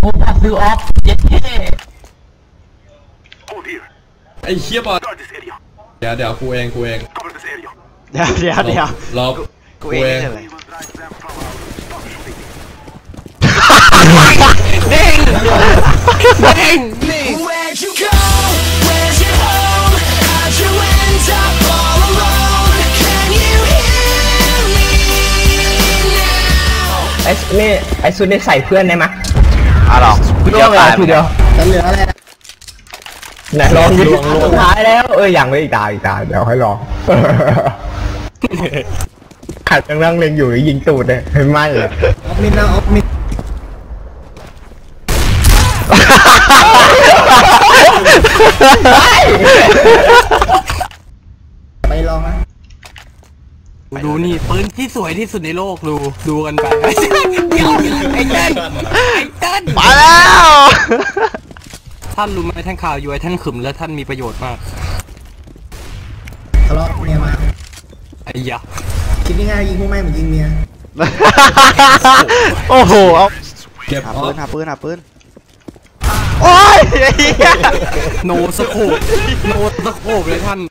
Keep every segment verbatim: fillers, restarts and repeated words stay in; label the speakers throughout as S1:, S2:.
S1: โอ้พาซิลออฟเย็ดเท่
S2: ไอ้เชี่ยบอลเดี๋ยวเดี๋ยวกูเองกูเอง
S3: เดี๋ยวเดี๋ยวเดี๋ยว
S2: รอ
S3: กูเองเลย
S4: เด้งเด้งนี่
S1: ไอ้นี่ไอ้ซุดได้ใส่เพื่อนได้ไหม
S3: อ่ะหรอ
S1: เดียวตายทีเดียว
S5: จะเหลืออะไร
S1: ไหนลองดูสุดท้ายแล้วเอออย่างไม่อีกตายอีกตายเดี๋ยวให้ลองขัดกำลังเล็งอยู่ยิงตูดเลยไม่เลย
S5: ออฟมิดนะออฟมิดไปลองนะ
S4: ดูนี่ปืนที่สวยที่สุดในโลกดูดูกันไปไอ้เต้นไอ้เต้น
S3: มาแล้ว
S4: ท่านรู้ไหมท่านข่าวอยู่ไอ้ท่านขึมและท่านมีประโยชน์มาก
S5: ทะเลาะเมียมา
S4: ไอ้ยะ
S5: คิดง่ายๆยิงพวกแม่เหมือนยิงเมีย
S3: โอ้โหเอา
S2: เก็บ
S3: หาปืนหาปืนหาปืนโอ้ย
S4: โนสโคปโนสโคปเลยท่าน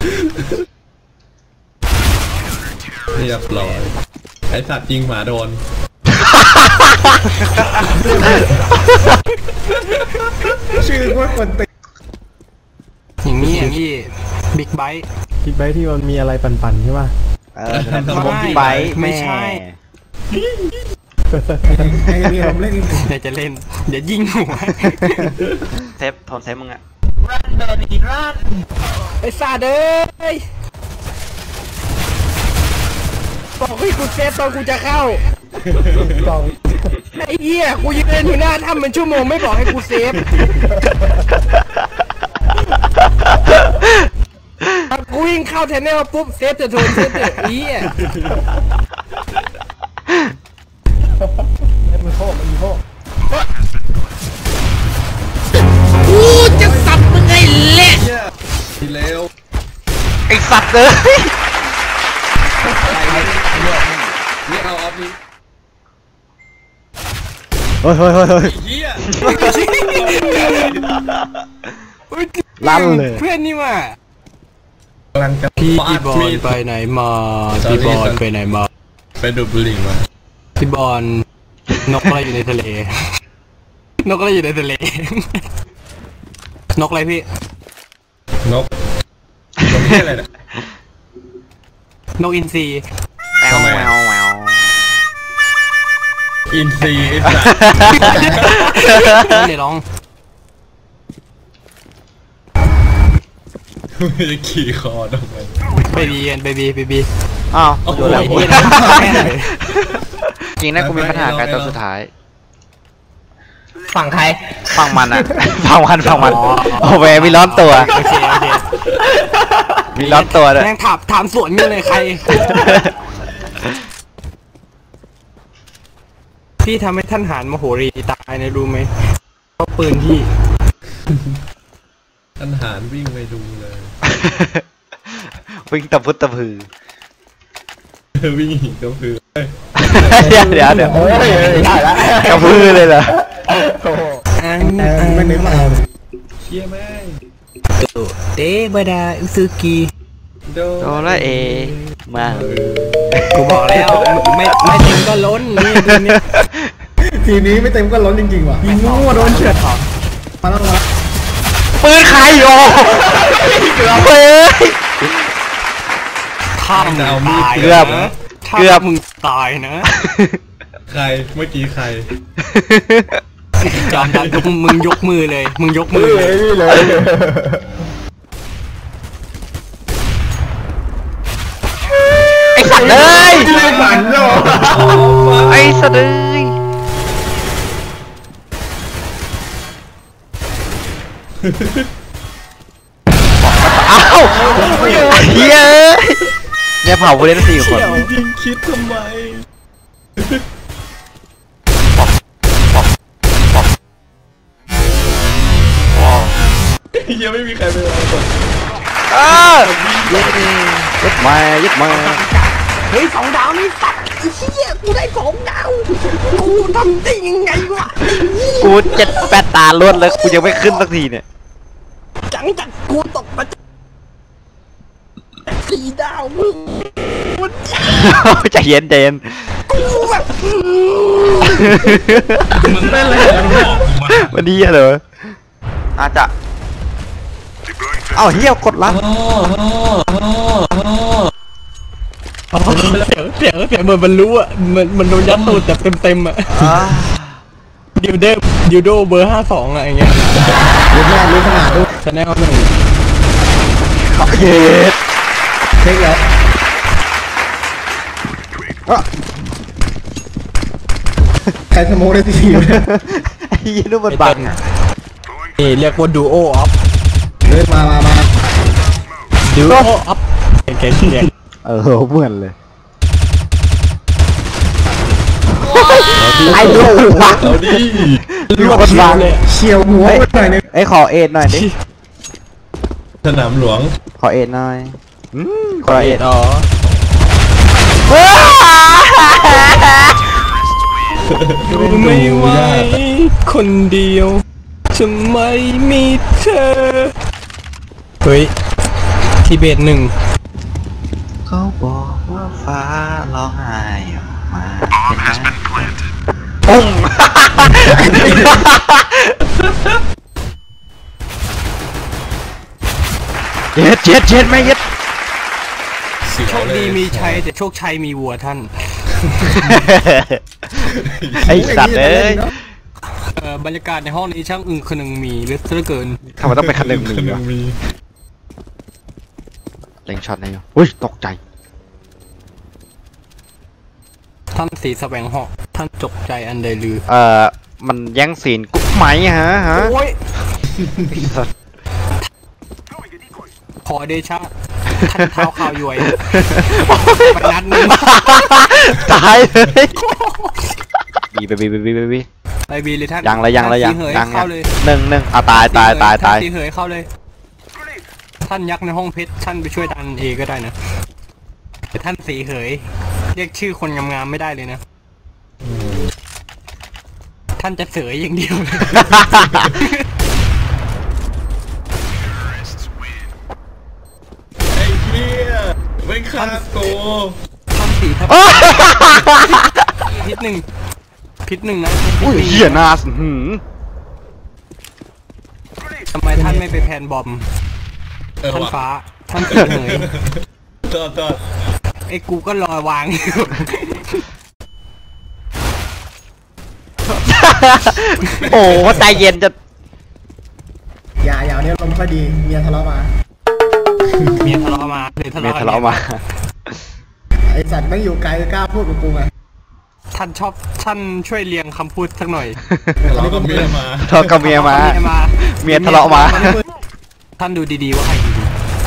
S2: เรียบร้อยไอสัตว์ยิงหมาโดน
S5: ชื่อว่าคนติด
S4: อย่างนี้อย่างนี้บิ๊กไบค์
S6: บิ๊กไบค์ที่มันมีอะไรปั่นๆใช่ป่ะ
S3: เออบิ๊กไบค์
S4: ไม่ใช่
S5: เดี๋ยวเล่น
S4: เดี๋ยวจะเล่นเดี๋ยวยิงหัว
S3: เซฟทนเซฟมึงอะ
S1: รันเบบี้รัน
S4: ไอ้ซาเด้ยบอกให้กูเซฟตอนกูจะเข้าไอ้เหี้ยกูยืนอยู่หน้าถ้ำเป็นชั่วโมงไม่บอกให้กูเซฟกูวิ่งเข้าแทนแนลปุ๊บเซฟจะโดนเซฟจะเหี้ย
S5: มันโคมันโค
S4: กูจะสับมึงไงเละ
S2: ทีเร็ว
S3: ไอสัตว์เลย
S2: นี่เอาออฟนี่
S3: เฮ้ยเฮ้ยเฮ้ยเฮ้ย
S2: เฮีย
S3: ลั่นเลย
S4: เพื่อนนี่ว่ะ
S2: กำลังจะ
S4: พี่บอลไปไหนมาพี่บอลไปไหนมา
S2: ไปดูดบุหรี่มา
S4: พี่บอลนกอะไรอยู่ในทะเลนกอะไรอยู่ในทะเลนกอะไรพี่
S2: นกนกที่อะไรเนี่ย
S4: นกอินทรี
S3: แมวแมวแมว
S2: อินซีไอ้สั
S4: สเดี๋ยวลอง
S2: ไม่ได้ขี่คอดอกมัน
S4: เบบีเบบีเบบี
S3: อ้าวโดนแล้วจริงนะกูมีปัญหากันตอนสุดท้าย
S1: ฝั่งใคร
S3: ฝั่งมันอะฝั่งมันฝั่งมันโอ้แหวมีร้อนตัว
S4: โอเคโอเค
S3: มีร้อนตัวเลย
S4: แม่งถามถามสวนอยู่เลยใครพี่ทำให้ท่านหารมโหรีตายนะรู้ไหมเพราะปืนพี่
S2: ท่านหารวิ่งไปดูเลย
S3: วิ่งตะพุตตะพือ
S2: วิ่งหินตะพือ
S3: เดี๋ยวเดี๋ยวเดี๋ยวกระพือเลยเหรอ
S5: ไม่นึกมาเอา
S2: เชี่ยแม่ง
S4: เตะบดาอุซึกิ
S3: โดราเอมา
S4: กูบอกแล้วไม่ไม่เต็มก็ล้นนี่ดูนี่
S5: ทีนี้ไม่เต็มก็ล้นจริงๆว่ะยิงงูโดนเฉือนมาแล้วมา
S3: ปืนใครโอ้เฮ้ย
S4: ข้ามเอามีด
S3: เกือบเกือบ
S4: มึงตายนะ
S2: ใครเมื่อกี้ใคร
S4: จอมดันมึงยกมือเลยมึงยกมือเลย
S3: ไอ้สัตว์เลยไอ้สัตว์เลยอ้าวเฮ้ยเนี่ยเผาผู้เล่นสี่คน
S2: จริงคิดทำไมยังไม่มีใครไปเลยก่อน
S3: อ้ายึดมายึดมา
S4: เฮ้ยสองดาวนี่สัตว์ไอ้เหี้ยกูได้สองดาวกูทำได้ยังไงวะ
S3: กูเจ็ดแปดตาลวดแล้วกูยังไม่ขึ้นสักทีเนี่ย
S4: จังจังกูตกมาสี่ดาวมึง
S3: ใจเย็นใจเย็น
S4: กูแบบ
S2: มึงเป็นอะไรมา
S3: วันนี้เหรออาจจะเอ้าเฮียกดลับ
S4: เสียงเสียงเสียงเหมือนมันรู้อ่ะมันมันโดนยัดตูดแบบเต็มๆอ่ะ
S3: อ่า
S4: ดิวเดดิวโดเบอร์ห้าสองอะอย่างเงี้ย
S5: รู้แม่รู้ขนาดด้วย
S4: ชาแนลหนึ่ง
S3: เย็ด
S5: เช็คแล้วใครสโมกได้ทีเนี่ย
S3: ไอ้ยี่นู่นมันบังอะ
S4: นี่เรียกว่าดูโอออฟ
S5: เฮ้ยมามามา
S4: ดูโอออฟเก่งๆเนี่ย
S6: เออเหมือนเลย
S3: ไอ้ลูกวะ
S2: เอาดิ
S3: ลูกมันบัง
S4: เลย
S5: เฉียวหัวไปหน่อยนึง
S3: ไอ้ขอเอ็ดหน่อยดิ
S2: สนามหลวง
S3: ขอเอ็ดหน่อยอืมขอเอ็ด
S4: อ๋อ ดูไม่ไหวคนเดียวจะไม่มีเธอเฮ้ยทิเบตหนึ่ง
S3: เขาบอกว่าฟ้าร้องไห้ออกมาปุ้งเจ็ดเจ็ดเจ็ดไม่เย็ด
S4: โชคดีมีชัยแต่โชคชัยมีวัวท่าน
S3: ไอ้สัตว์เอ้ย
S4: เอ่อบรรยากาศในห้องนี้ช่างอึ้งคนึงมีเหลือเกิน
S3: ทำไมต้องเป็นคันหนึ่งมือ
S2: หนึ่
S3: วะ
S2: งมี
S3: เล็งช็อตไหนอยู่อุ้ยตกใจ
S4: ท่านสีแสวงหอกท่านจกใจอันใดลือ
S3: เอ่อมันแย่งซีนกุ๊กไหมฮะฮะ
S4: โอ้ย
S3: ไอ้สัตว์
S4: ขอเดชะท่านเท้าข่าวยวยไปนัดหนึง
S3: ตายเลยบีบีบีบีบีบี
S4: ไปบีเลยท่าน
S3: ยังเลยยังเลยยัง
S4: ท่านสีเห
S3: ยัง
S4: เข้าเลย
S3: หนึ่งหนึ่งอ่ะตายตายตายตาย
S4: ท่นสีเหยเข้าเลย ท่านยักษ์ในห้องเพชรท่านไปช่วยดันเอก็ได้นะแต่ท่านสีเหยเรียกชื่อคนงามๆไม่ได้เลยนะ ท่านจะเสยอย่างเดียวเลย
S2: ไอ้เหี้ยไม่ฆ่าโก
S4: ท่านสีทับพิษหนึ่งพิษหนึ่งนะ
S3: อุ้ยเหี้ยนาสหืม
S4: ทำไมท่านไม่ไปแพนบอม
S2: เออ
S4: ท่าน
S2: ว่ะ
S4: ฟ้า ท่านสีเหย
S2: ต่อต่อ
S4: ไอ้กูก็รอวางอยู่
S3: โอ้ใจเย็นจะ
S5: อย่าอย่าเนี่ยลมค่อยดีเมียทะเลาะมา
S4: เมียทะเลาะมาเลยทะ
S3: เมีย
S4: เลาะ
S3: ทะเลาะมา
S5: ไอสัตว์ไม่อยู่ไกลกล้าพูดกับกูไง
S4: ท่านชอบท่านช่วยเรียงคำพูดสักหน่อย
S2: เราก็เมียมา
S3: ทะเลาะกับเมียมา
S4: เมียมา
S3: เมียทะเลาะมา
S4: ท่านดูดีๆว่าใครดี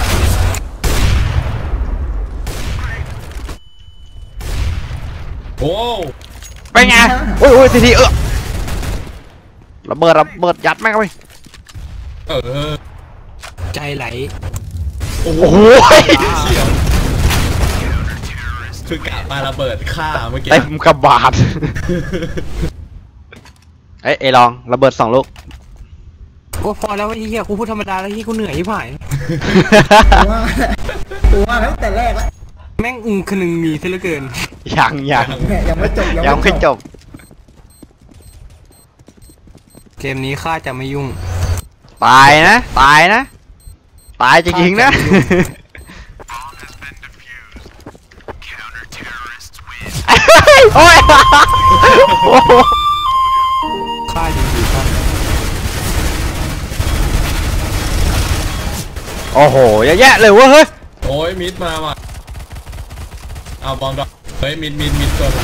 S2: โอ้
S3: ไปไงโอ้ยโอ้ยทีทีเออระเบิดระเบิดยัดแม่งเข้าไป
S2: เออ
S4: ใจไหล
S2: โอ้
S3: โอ้โห
S2: เฉียวคือกะปาระเบิดฆ่าเมื่อกี้
S3: เต็มกระบาดเอ้ยเอลองระเบิดสองลูก
S4: โอ้พอแล้วไอ้เหี้ยกูพูดธรรมดาแล้วที่กูเหนื่อยที่ผ่าน
S5: กูว่ากูว่าตั้งแต่แรกแล้ว
S4: แม่งอึงคนึงมีซะเหลือเกิน
S3: ยังยัง
S5: เนี่ยยังไม่จบ
S3: ยังไม่จบ
S4: เกมนี้ข้าจะไม่ยุ่ง
S3: ตายนะตายนะตายจริงๆนะ โอ้ย
S4: ข้าอยู่ดีครับ
S3: โอ้โหเยอะแยะเลยเว้ยเฮ้ย
S2: โอ้ยมิดมาว่ะเอาบอมดอกเฮ้ยมิดมิดมิดตัวละ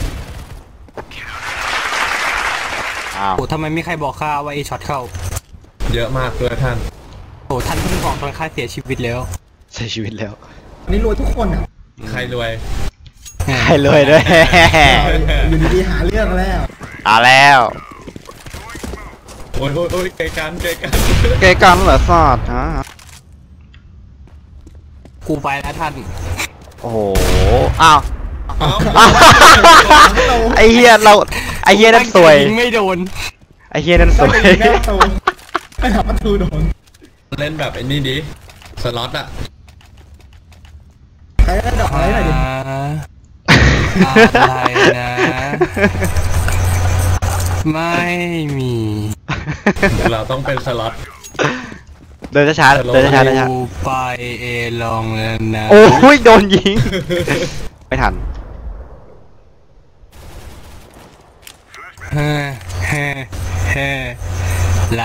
S3: อ้าว
S4: โอ้ทำไมไม่ใครบอกข้าว่าไอ้ช็อตเข้า
S2: เยอะมากเลยท่าน
S4: โอ้ท่านเพิ่งบอกตอนข้าเสียชีวิตแล้ว
S3: เสียชีวิตแล้ว
S5: นี่รวยทุกคนอ่ะ
S2: ใครรวย
S3: ให้เลยด้วย
S5: อยู่ดีๆหาเรื่องแล้ว
S3: ตายแล้ว
S2: โอ้ยโอ้ยโอ้ยไกลกันไกลกัน
S3: เกยกันเหรอสอดฮะ
S4: กูไปแล้วท่าน
S3: โอ้โหอ้าว
S2: เอ้า
S3: ไอ้เฮียเราไอ้เฮียนั่นสวย
S4: ยิงไม่โดน
S3: ไอ้เฮียนั่นส
S5: ต้อง
S3: วย
S5: ไปยิงแม่ประตูไปทำประตูโดน
S2: เล่นแบบไอ้นี่ดิสล็อตอะ
S5: ใครได้ดอกอะไรหน่อยดิ
S4: อะไรนะ ไม่มี
S2: เราต้องเป็นสล็อต
S3: เดินช้าๆเดินช้าๆเดินช้า
S4: กูไปเอลองแล้วนะ
S3: ๆโอ้ยโดนยิง ไม่ทัน
S4: เฮ้เฮ้เฮ้เรา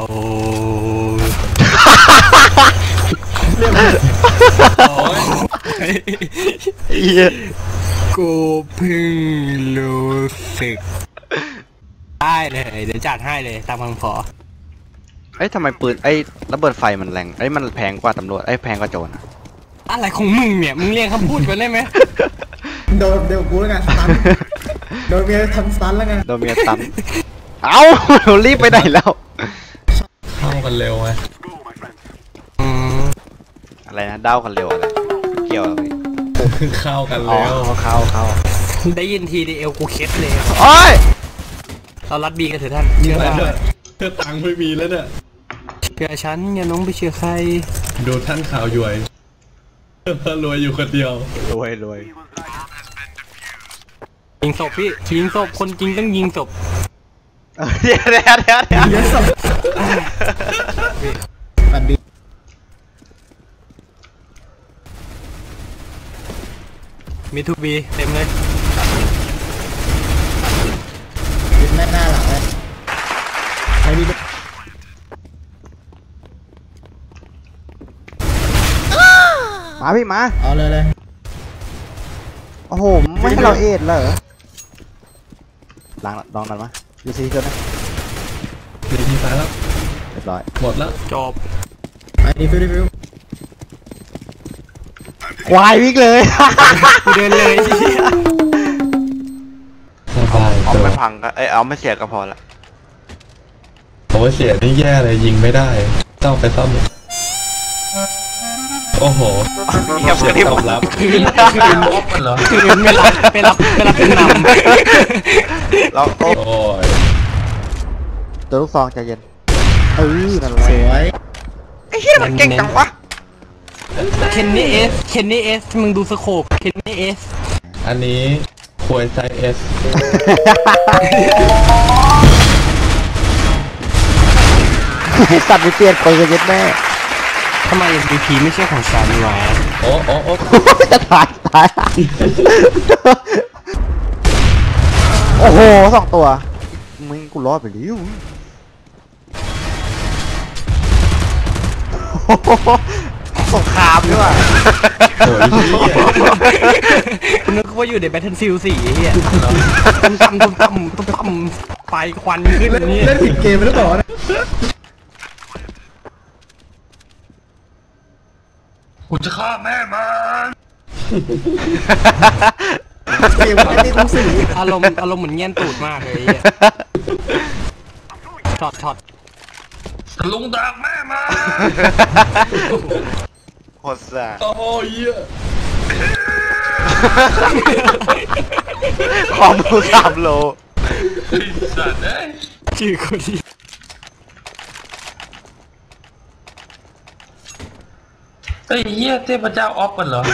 S2: โอ้ย
S3: ไอ้เหี้ย
S4: กูเพิ่งรู้สึกได้เลยเดี๋ยวจัดให้เลยตามคำขอ
S3: เอ้ยทำไมปืนไอ้ระเบิดไฟมันแรงไอ้ยมันแพงกว่าตำรวจไอ้ยแพงกว่าโจรอะ
S4: อะไรของมึงเนี่ยมึงเรียกคำพูดกันได้ไหม
S5: โดนเดี๋ยวกูแล้วกันสตันโดนเมียทำสตันแล้วกัน
S3: โดนเมียตันเอ้า รีบไปไหนแล้ว
S2: เข้ากันเร็วไง
S4: อืม
S3: อะไรนะเด้ากันเร็วอะไรเกี่ยวอะไร
S2: เข้ากัน
S3: อ๋อ
S2: เร็ว
S3: เข้าเข้า
S4: ได้ยินทีดีเอลกูเคสเลย
S3: โอ้ย
S4: เรารัดบีกันเถอะท่านเชื่อ
S2: อะไร
S4: ว่า
S2: เนี่ยเพื่อตังค์ไม่มีแล้วเนี่ย
S4: เชื่อฉันอย่าน้องไปเชื่อใคร
S2: ดูท่านข่าวย่วยรวยอยู่คนเดียว
S3: รวยรวย
S4: ยิงศพพี่ยิงศพคนจริงต้องยิงศพ
S3: เดี๋ยวเดี๋ยวเดี๋ยวเดี๋ยว
S5: เยอะสุดแบบดี
S4: มีทูบีเต็มเลย
S5: ยึดแม่หน้าหลังเลยใครมี
S3: มาพี่มา
S5: เอาเลยเลย
S3: โอ้โหไม่ให้เราเอ็ดเหรอล้างลองนั้นมาดูซีกันนะ
S2: ดีทีตายแล้ว
S3: เรียบร้อย
S2: หมดแล้ว
S4: จบ
S5: ไอ้ดีฟิวดีฟิว
S3: ควายวิ่งเลย
S4: กูเดินเลย
S2: สบาย
S3: เอา
S2: ตัว
S3: ไม่พังก็เอ้ยเอาไม่เสียก็พอละ
S2: โอ้ยเสียนี่แย่เลยยิงไม่ได้ต้องไปซ่อมโอ้โห
S3: เงียบ
S2: เสียง
S3: ที่
S2: ต
S3: ผ
S2: อ
S3: ม
S2: บรับ
S4: คืนคืนเหรอคืนไม่รับไม่รับไม่รับเป็นน
S3: เราโอ้
S2: โอ้ย
S3: ตัวลูกซองใจเย็นเออนั่นแหละ
S5: สวย
S3: ไอ้เหี้ยมันเก่งจังวะ
S4: ำเคนนี่เอสเคนนี่เอสมึงดูสโคปเคนนี่เอส
S2: อันนี้ควยไซเอส
S3: ไอ้สัตว์ไม่เปลี่ยนปืนยัดแม่
S4: ทำไม เอ็ม วี พี ไม่ใช่ของฉันวะ
S2: โอ้โอ้โอ้
S3: จะตายตายโอ้โหสองตัวมึงกูรอดไปแล้วสงครามด้วยว่ะ
S2: โหยเหี้ย
S4: คุณนึกว่าอยู่ใน Battlefield สี่ไอ้เหี้ยตุ้มตั้มตุ้มตั้มตุ้มตั้มไฟควันขึ้น
S5: เล่น
S4: นี่
S5: เล่นผิดเกมไปหรือเปล่าเนี่ย
S2: กูจะฆ่าแม่มัน
S5: เกมไอ้นี่คุ้มสี่
S4: อารมณ์อารมณ์เหมือนเงี้ยนตูดมากเลยไอ้เหี้ยช็อตช็อต
S2: ลุงดักแม่มา
S3: โคตรซ่า
S2: โอ้ยเหี้ย
S3: ความรู้สามโล
S2: ไอ้สัตว์เอ้ย
S4: ชื่อคนที่
S2: ไอ้เหี้ยเทพเจ้าออฟกันเหรอ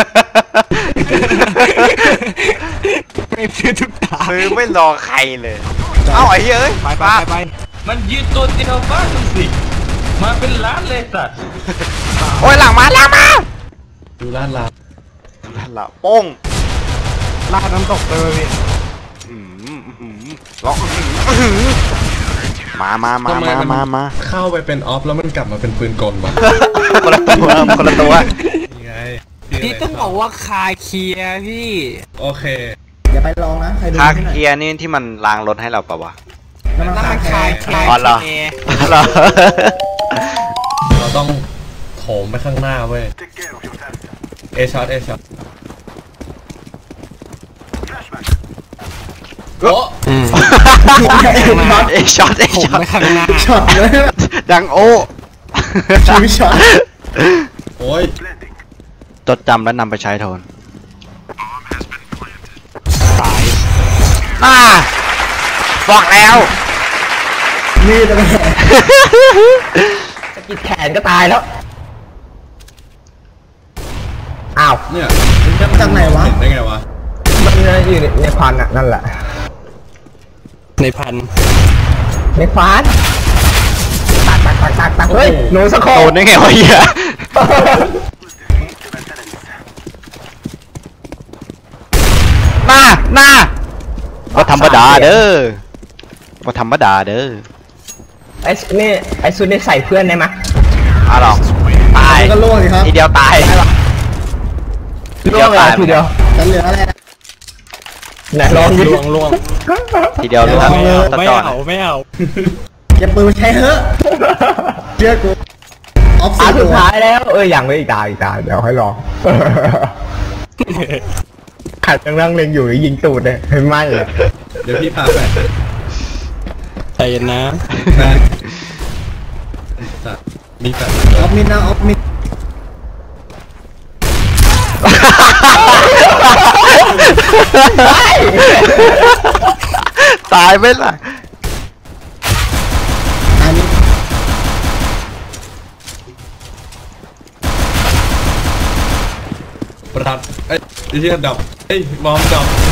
S4: ไม่ซื้อทุกตา
S3: ซื้อไม่รอใครเลย เอ้าไอ้เหี้ยเอ้ย
S4: ไปไปไปไป
S2: มันยืนตัวเดียวบ้านมันสิมาเป็นล้านเลยสัตว์
S3: โอ้ยหลังมาหลังมา
S2: ดูล้านลา
S3: นั่นละโป้ง
S4: ลาดน้ำตกไปเลยพี่
S3: อืมอืมล็อกอื้อหือมามามามามามา
S2: เข้าไปเป็นออฟแล้วมันกลับมาเป็นปืนกลวะ
S3: คนละตัวคนละตัว
S2: ยังไง
S4: พี่ต้องบอกว่าคาเคลียร์พี่
S2: โอเค
S5: อย่าไปลองนะใครดู
S3: คา
S5: ที่ไหน
S3: เกียร์นี่ที่มันล้างรถให้เราปะวะ
S5: น้ำมัน
S4: นั่น
S5: คา
S4: มัน
S5: แค
S4: คา
S5: ร์
S4: เคลียร์
S3: อ๋อเหรอ เหรอ
S2: เราต้องโถมไปข้างหน้าเว้ยเอช็อตเอช็อตโอ้
S4: อืม
S3: เอช็อตเอ
S4: ผม
S3: ช็อต
S4: ไปข้างหน้า
S5: ช็อตเลย
S3: ดังโอ
S5: ชีวิตช็อต
S2: โอ้ย
S3: จดจำและนำไปใช้โทนอ่าบอกแล้ว
S5: นี่จะไม่
S1: สกิดแขนก็ตายแล้วอ้าว
S2: เนี่ย
S5: จากไหนวะ
S2: เห็นได้ไงวะ
S1: มันอยู่ในในควันอ่ะนั่นแหละ
S4: ในพัน
S1: ในควันตักตักตักตักตักเฮ้ยหนูสะโค
S3: โดนได้ไงวะเหี้ยหน้าหน้าว่าธรรมดาเด้อว่าธรรมดาเด้อ
S1: ไอ้นี่ไอ้ซุดนี่ใส่เพื่อนได้ไหม
S3: อ่ะหรอตาย
S5: ก็ล่วงสิครับ
S3: ทีเดียวตายที
S1: ล่
S3: เดี
S1: ว
S3: ยว
S1: งเลย
S3: ตาย
S1: ทีเดียว
S5: จะเหลืออะไร
S1: ไหนลองดิ
S4: ลวงลวง
S3: ทีเดียวรู้ครับ
S4: ไม่เอา
S3: ตัด
S4: ไม่
S3: จอด
S4: เอาไม่เอา
S5: เก็บปืนใช้เถอะเชื่อกูออฟ
S1: ตา
S5: ซี
S1: สุ
S5: ตั
S1: ด
S5: ว
S1: ท้ายแล้วเอ้ยยังไม่อีกตาอีกตาเดี๋ยวให้ลองขัดยังนั่งเล็งอยู่ยิงตูดเลยเห็นไหมเลย
S2: เดี๋ยวพี่พาแฟน
S4: ใจเย็นนะ
S2: แฟนสัตว์มีแฟน
S5: ออฟมิดนะออฟมิด
S3: ตายไหมล่ะ
S5: อันนี้
S2: ประทัดเอ้ยไอ้เหี้ยดับเอ้ยมอมดับ